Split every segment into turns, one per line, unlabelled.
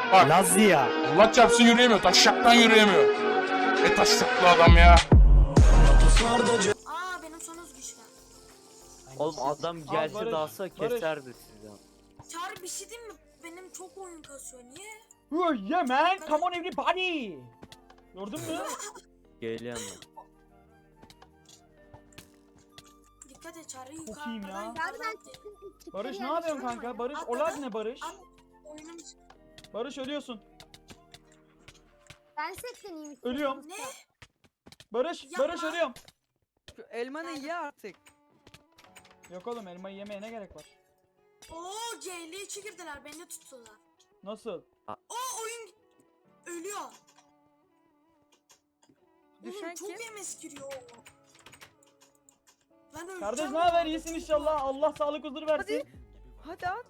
Bak.
Lazia.
Allah çarpsın yürüyemiyor. Taşşaktan yürüyemiyor. Taşşaklı adam ya.
Aa benim son güçlü.
Oğlum adam gelse
Barış,
dalsa
Barış.
keserdi sizi.
Çağrı bir şey diyeyim mi? Benim çok oyun kasıyor. Niye?
Oh yeah man, come on everybody. Gördün mü?
Geliyorum ben.
Dikkat et Çağrı
Çok iyiyim ya.
yukarıdan.
Barış ne yapıyorsun kanka? Barış olay ne Barış?
Oyunum...
Barış ölüyorsun.
Ben setleneyim.
Ölüyorum.
Ne?
Barış,
Yapma.
Barış ölüyorum.
Şu elmanı ye artık.
Yok oğlum elmayı yemeye ne gerek var?
Oo C52 girdiler. Beni de tuttular.
Nasıl?
O oyun... Ölüyor.
Düşen
Oğlum, çok
kim?
yemes giriyor. Ben öleceğim.
Kardeş ne haber? İyisin inşallah. Allah sağlık huzur versin.
Hadi at.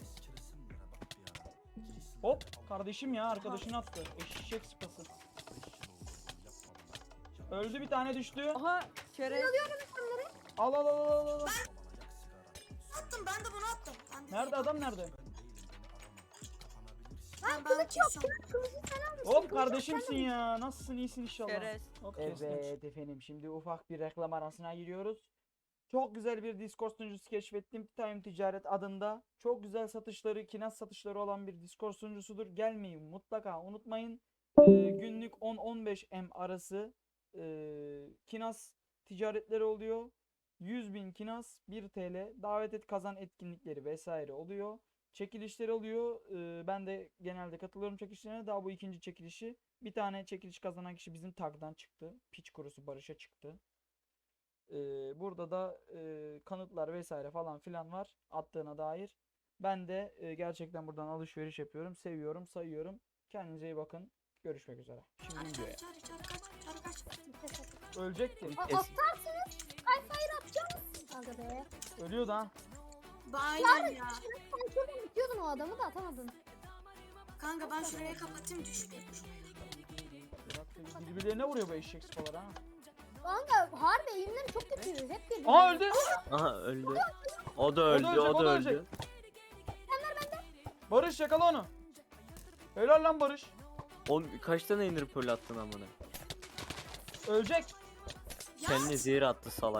Hop kardeşim ya arkadaşını attı. Eşek sıpası. Öldü bir tane düştü.
Aha çerez.
Al al al al al.
Attım ben de bunu attım. Ben de
Nerede adam nerede?
Ben kılıç yok.
Hop kardeşimsin ya. Nasılsın? İyisin inşallah.
Çerez.
Hop, evet efendim şimdi ufak bir reklam arasına giriyoruz. Çok güzel bir Discord sunucusu keşfettim. Time Ticaret adında. Çok güzel satışları, kinaz satışları olan bir Discord sunucusudur. Gelmeyi mutlaka unutmayın. Günlük 10-15 M arası kinaz ticaretleri oluyor. 100.000 kinaz 1 TL. Davet et kazan etkinlikleri vesaire oluyor. Çekilişler oluyor. Ben de genelde katılıyorum çekilişlerine. Daha bu ikinci çekilişi. Bir tane çekiliş kazanan kişi bizim tagdan çıktı. Piç kurusu Barış'a çıktı. Burada da kanıtlar vesaire falan filan var attığına dair. Ben de gerçekten buradan alışveriş yapıyorum. Seviyorum, sayıyorum. Kendinize iyi bakın. Görüşmek üzere. Şimdi videoya.
Çağrı kaç.
Ölecekti.
Atarsınız. Ay hayır atacağım. Aga be.
Ölüyordu ha.
Aynen ya.
Sen şuradan bitiyordun o adamı da atamadın.
Kanka ben şuraya kapatayım düşmeyin.
Birbirlerine vuruyor bu eşek sıpalar ha.
Kanka harbi eğimleri çok kötü. Hep birbirine.
Aa öldü.
Aha öldü. O da öldü,
ölecek,
o da
ölecek.
öldü.
Barış yakala onu. Helal lan Barış.
Oğlum kaç tane indir pearl attın amına?
Ölecek.
Ya
Kendine zehir attı salak.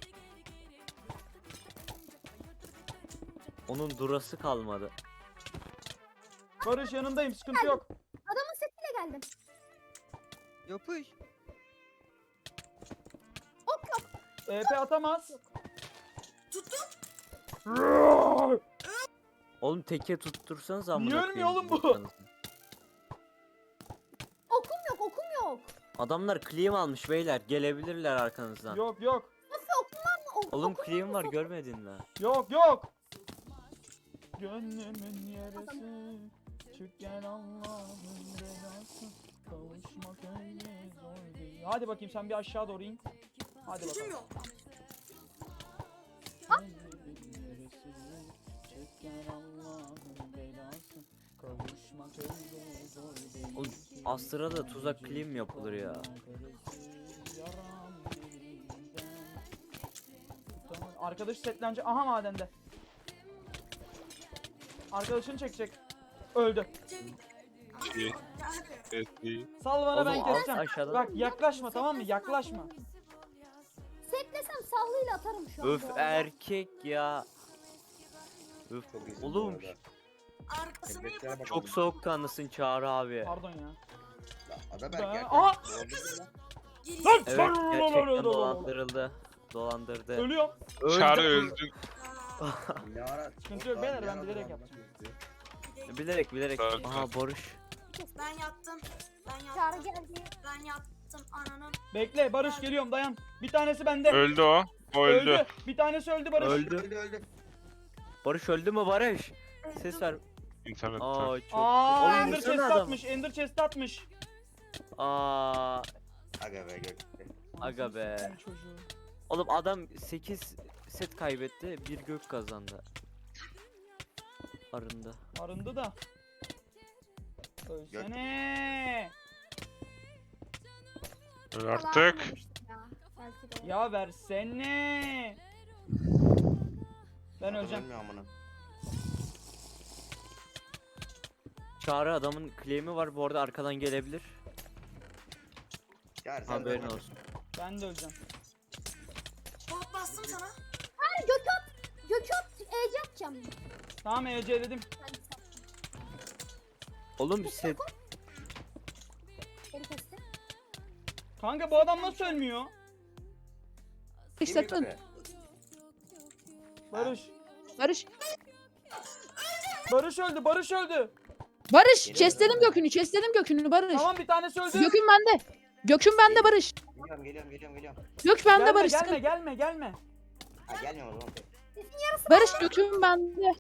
Onun durası kalmadı.
Barış yanındayım sıkıntı yok.
Adamın setiyle geldim.
Yapış.
EP atamaz.
tuttum.
Oğlum teke tuttursanız amına
Niye
koyayım
ölmüyor oğlum bu?
vursanız.
Okum yok okum yok.
Adamlar claim almış beyler, gelebilirler arkanızdan.
Yok yok.
Nasıl okum var mı?
Oğlum claim var, görmedin mi?
Yok yok. Gönlümün yarısı. Çık gel Allah'ın belası. Kavuşmak öyle zor değil. Hadi bakayım sen bir aşağı doğru in. Hadi
Gücüm
bakalım.
yok.
Gönlümün yarısı. Çık gel Allah'ın belası. Kavuşmak öyle zor değil.
Oğlum Astra'da tuzak claim yapılır ya.
Tamam, arkadaş setlenecek. Aha madende. Arkadaşını çekecek. Öldü.
İyi.
Hadi.
Evet, iyi.
Sal bana ben
Oğlum, alt
keseceğim.
aşağıdan-
Bak yaklaşma tamam mı? Yaklaşma.
Setlesem sallıyla atarım şu an.
Öf
bu arada.
erkek ya. Öf oğlum
Arkasını yap.
çok soğukkanlısın Çağrı abi.
Pardon ya.
Ada
Ben-
belki
Aha!
Geri.
Lan!
Evet gerçekten dolandırıldı. Dolandırdı.
Ölüyorum.
Çağrı
Öldü.
öldü.
ne ara?
Sıkıntı yok beyler, ben bilerek yaptım.
Bilerek bilerek.
Öldü.
Aha Barış.
Ben yattım. Ben
Çağrı
yattım.
geldi.
Ben yattım ananın.
Bekle Barış geliyorum dayan. Bir tanesi bende.
Öldü o. O öldü.
Bir tanesi öldü Barış.
Öldü.
Öldü.
Barış öldü mü Barış? Ses ver.
İnternetten.
Aa çok.
Aa
Oğlum
Ender
vursana
chest
adamı.
atmış. Ender chest atmış.
Aa
Aga be gök.
aga be.
Anasını satayım çocuğu.
Oğlum adam 8 set kaybetti, bir gök kazandı. Arındı.
Arındı da. Ölsene.
Öl
Falan
artık.
atmamıştım ya. Belki de.
Ya versene. Ben öleceğim.
Ölmüyor amına.
Çağrı adamın claim'i var bu arada arkadan gelebilir.
Çağır sen
Haberin
de-
olsun.
Ben de öleceğim.
Bot bastım sana.
Gökhan EC atacağım.
Tamam EC'ledim.
Ben de sattım.
Oğlum set
Beni kesti.
Kanka bu adam nasıl ölmüyor?
Kim
İşlettin.
yukarı?
Barış.
Barış.
Barış öldü. Barış öldü.
Barış.
Geliyorum
Chestledim
ben.
gökünü. Chestledim gökünü Barış.
Tamam bir tanesi öldü.
Gökün bende. Gökün bende Barış.
Geliyorum.
Gök bende
Gelme
Barış.
gelme
sıkıntı-
gelme gelme.
Ha gelmiyorum o zaman.
Barış gökün bende.